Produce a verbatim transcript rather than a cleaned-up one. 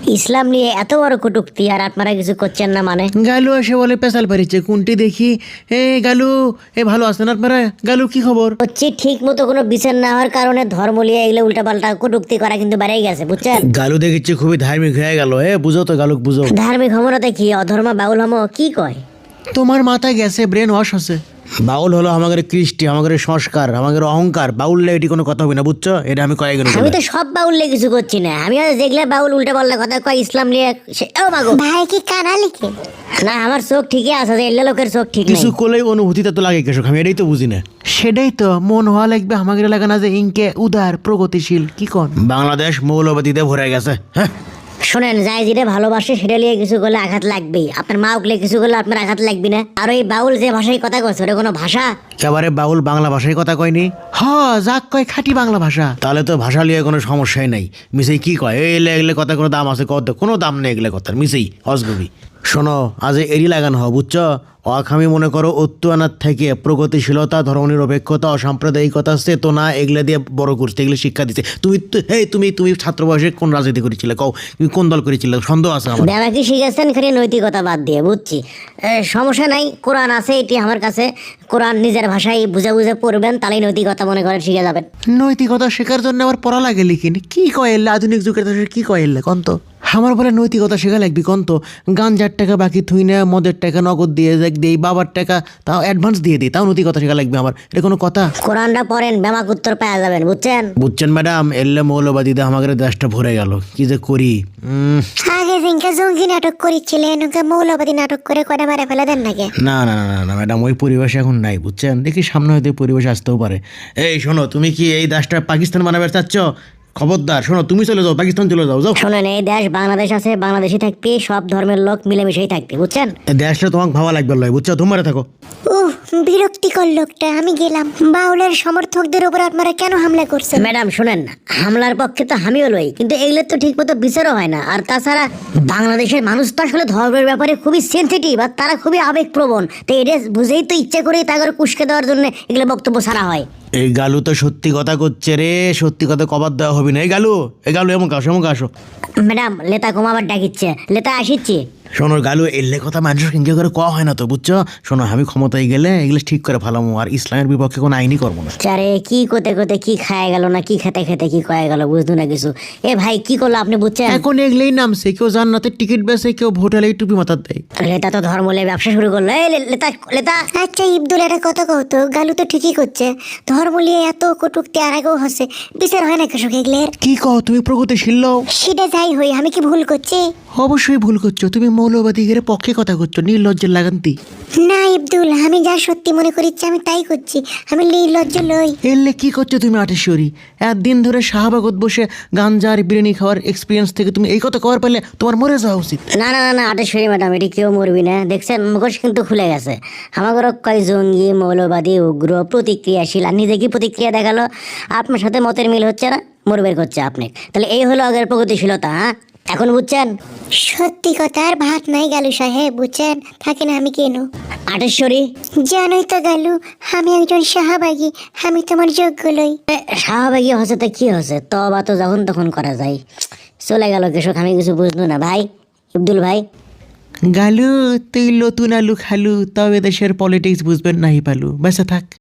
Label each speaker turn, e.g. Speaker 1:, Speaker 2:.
Speaker 1: ইসলাম নিয়ে এত বড় কটূক্তি আর আপনারা কিছু করছেন না মানে?
Speaker 2: গালু এসে বলে পেশাল পারিচ্ছে কোনটি দেখি। এ গালু, এ ভালো আছেন আপনারা? গালু কি খবর?
Speaker 1: হচ্ছে ঠিক মতো কোনো বিচার না হওয়ার কারণে ধর্ম নিয়ে এগুলো উল্টাপাল্টা কটূক্তি করা কিন্তু বেড়েই গেছে, বুঝছেন?
Speaker 2: গালু দেখেছি খুবই ধার্মিক হয়ে গেল। এ বুঝো তো গালুক বুঝো।
Speaker 1: ধার্মিক হমরাতে কি অধর্ম বাউল হম কি কয়?
Speaker 2: তোমার মাথায় গেছে, ব্রেন ওয়াশ হচ্ছে। বাউল হলো আমাদের কৃষ্টি, আমাদের সংস্কার, আমাদের অহংকার। বাউললে এটি কোনো কথা হবে না, বুঝছো? এটা আমি কয়ে গেল।
Speaker 1: আমি তো সব বাউল নিয়ে কিছু করছি না, আমি দেখলে বাউল উল্টা পাল্টা কথা কয় ইসলাম নিয়ে। ও মাগো
Speaker 3: ভাই কি কানা লিখে?
Speaker 1: না, আমার চোখ ঠিকই আছে, যে এল্লা লোকের চোখ ঠিক
Speaker 2: কিছু
Speaker 1: নেই।
Speaker 2: করলেই অনুভূতিটা তো লাগে কেশক, আমি এটাই তো বুঝি না। সেটাই তো মন হওয়া লাগবে আমাদের এলাকা না যে ইনকে উদার প্রগতিশীল কি কোন। বাংলাদেশ মৌলবাদীতে ভরে গেছে। হ্যাঁ
Speaker 1: শোনেন, যাই যেটা ভালোবাসে সেটা নিয়ে কিছু করলে আঘাত লাগবেই। আপনার মা উঠলে কিছু করলে আপনার আঘাত লাগবে না? আর ওই বাউল যে ভাষায় কথা কচ্ছে ওটা কোনো ভাষা?
Speaker 2: একেবারে বাউল বাংলা ভাষায় কথা কয়নি। হ যাক কয় খাঁটি বাংলা ভাষা। তাহলে তো ভাষা লিয়ে কোনো সমস্যাই নাই। মিসেই কি কয় এলে এগুলো কথা কোনো দাম আছে? কত কোনো দাম নেই এগুলো কথার। মিসেই অসগবি। শোনো, আজ এরি লাগানো হ, বুঝছো? অখামি মনে করো অত্যুয়ানার থেকে প্রগতিশীলতা, ধর্মনিরপেক্ষতা, অসাম্প্রদায়িকতা, চেতনা এগুলো দিয়ে বড় করছে, এগুলো শিক্ষা দিচ্ছে। তুমি এই তুমি তুমি ছাত্র বয়সে কোন রাজনীতি করেছিলে? কও তুমি কোন দল করেছিলে? সন্দেহ আছে আমার।
Speaker 1: দাদা কি শিখেছেন খালি নৈতিকতা বাদ দিয়ে, বুঝছি। এ, সমস্যা নাই, কোরআন আছে এটি আমার কাছে। কোরআন নিজের ভাষায় বুঝে বুঝে পড়বেন, তাহলেই নৈতিকতা মনে করেন শিখে যাবেন।
Speaker 2: নৈতিকতা শেখার জন্য আবার পড়া লাগে লিখিন কি কয় এলে? আধুনিক যুগের দেশে কি কয় এলে কন্ত? আমার বলে নৈতিকতা শেখা লাগবি কন্ত? গাঞ্জার টাকা বাকি থুই না, মদের টাকা নগদ দিয়ে দিই, বাবার টাকা তাও অ্যাডভান্স দিয়ে দিই, তাও নৈতিকতা শেখা লাগবে আমার? এটা কোনো কথা?
Speaker 1: কোরআনটা পড়েন, ব্যামাক উত্তর পাওয়া যাবেন, বুঝছেন?
Speaker 2: বুঝছেন ম্যাডাম, এলে মৌলবাদীতে আমাদের দেশটা ভরে গেল। কি যে করি। উম,
Speaker 3: আগে জিনকা জঙ্গি নাটক করেছিলেন, ওকে মৌলবাদী নাটক করে কয়টা মারে ফেলে দেন নাকি?
Speaker 2: না না না না ম্যাডাম, ওই পরিবেশ এখন নাই, বুঝছেন? দেখি সামনে হয়তো এই পরিবেশ আসতেও পারে। এই শোনো, তুমি কি এই দেশটা পাকিস্তান বানাবে চাচ্ছ? খবরদার শোনো, তুমি চলে যাও, পাকিস্তান চলে যাও। যাও,
Speaker 1: শোনেন, এই দেশ বাংলাদেশ আছে, বাংলাদেশি থাকবে, সব ধর্মের লোক মিলেমিশেই থাকবে, বুঝছেন?
Speaker 2: এই দেশটা তোমাকে ভাবা লাগবে লয়, বুঝছো? তোমারে থাকো।
Speaker 3: উহ, বিরক্তিকর লোকটা। আমি গেলাম। বাউলের সমর্থকদের উপর আপনারা কেন হামলা করছেন?
Speaker 1: ম্যাডাম শুনেন, হামলার পক্ষে তো আমিও লই, কিন্তু এগুলো তো ঠিক মতো বিচারও হয় না। আর তাছাড়া বাংলাদেশের মানুষ তো আসলে ধর্মের ব্যাপারে খুবই সেন্সিটিভ, আর তারা খুবই আবেগপ্রবণ। তো এটা বুঝেই তো ইচ্ছে করেই তাদের কুশকে দেওয়ার জন্য এগুলো বক্তব্য ছাড়া হয়।
Speaker 2: এই গালু তো সত্যি কথা করছে রে, সত্যি কথা কবার দেওয়া হবে না। এই গালু, এই গালু এমন আসো, এমন আসো।
Speaker 1: ম্যাডাম লেতা কমাবার ডাকিচ্ছে, লেতা আসিচ্ছি।
Speaker 2: শোনো গালু, এলে কথা মানুষের কিনকে করে কওয়া হয় না তো, বুঝছো? শোনো, আমি ক্ষমতায় গেলে এগুলো ঠিক করে ফেলামো, আর ইসলামের বিপক্ষে কোনো আইনই করবো না।
Speaker 1: চারে কি কোতে কোতে কি খায় গেল না কি খেতে খেতে কি কয়ে গেল, বুঝতো না কিছু। এ ভাই কি করলো আপনি, বুঝছেন?
Speaker 2: এখন এগুলোই নামছে, কেউ জান্নাতের টিকিট বেছে, কেউ ভোটালে টুপি মাথার দেয়।
Speaker 1: লেতা তো ধর্ম নিয়ে ব্যবসা শুরু করলো। এই লে- লেতা লেতা
Speaker 3: আচ্ছা ইবদুল, একটা কথা কহতো। গালু তো ঠিকই করছে, ধর্ম নিয়ে এত কটুক্তি আর আগেও হচ্ছে, বিচার হয় না কৃষক এগুলোর?
Speaker 2: কি কও তুমি? প্রগতিশীল লও?
Speaker 3: সেটা যাই হই, আমি কি ভুল করছি?
Speaker 2: অবশ্যই ভুল করছো তুমি। মৌলবাদীদের পক্ষে কথা করছো, নির্লজ্জের লাগান্তি।
Speaker 3: না ইবদুল, আমি যা সত্যি মনে করিচ্ছি আমি তাই করছি। আমি নির্লজ্জ লই।
Speaker 2: এলে কি করছো তুমি আটেশ্বরী? একদিন ধরে শাহবাগত বসে গাঞ্জার বিরিয়ানি খাওয়ার এক্সপিরিয়েন্স থেকে তুমি এই কথা কওয়ার পারলে তোমার মরে যাওয়া উচিত।
Speaker 1: না না না না আটেশ্বরী ম্যাডাম, এটি কেউ মরবি না। দেখছেন মুখোশ কিন্তু খুলে গেছে। আমাদের কয় জঙ্গি, মৌলবাদী, উগ্র, প্রতিক্রিয়াশীল, আর নিজে কি প্রতিক্রিয়া দেখালো? আপনার সাথে মতের মিল হচ্ছে না, মরবের করছে আপনি। তাহলে এই হলো আগের প্রগতিশীলতা। হ্যাঁ, এখন বুঝছেন?
Speaker 3: সত্যি কথা আর ভাত নাই গালু সাহেব, বুঝছেন? থাকেন আমি কেন
Speaker 1: আটেশ্বরী,
Speaker 3: জানোই তো গালু, আমি একজন শাহবাগী, আমি তোমার যোগ্য লই।
Speaker 1: এ, শাহবাগী হচ্ছে তো কি হচ্ছে, তবা তো যখন তখন করা যায়। চলে গেল কৃষক, আমি কিছু বুঝলো না ভাই। আব্দুল ভাই,
Speaker 2: গালু তুই নতুন আলু খালু, তবে দেশের পলিটিক্স বুঝবেন নাহি পালু। বেঁচে থাক।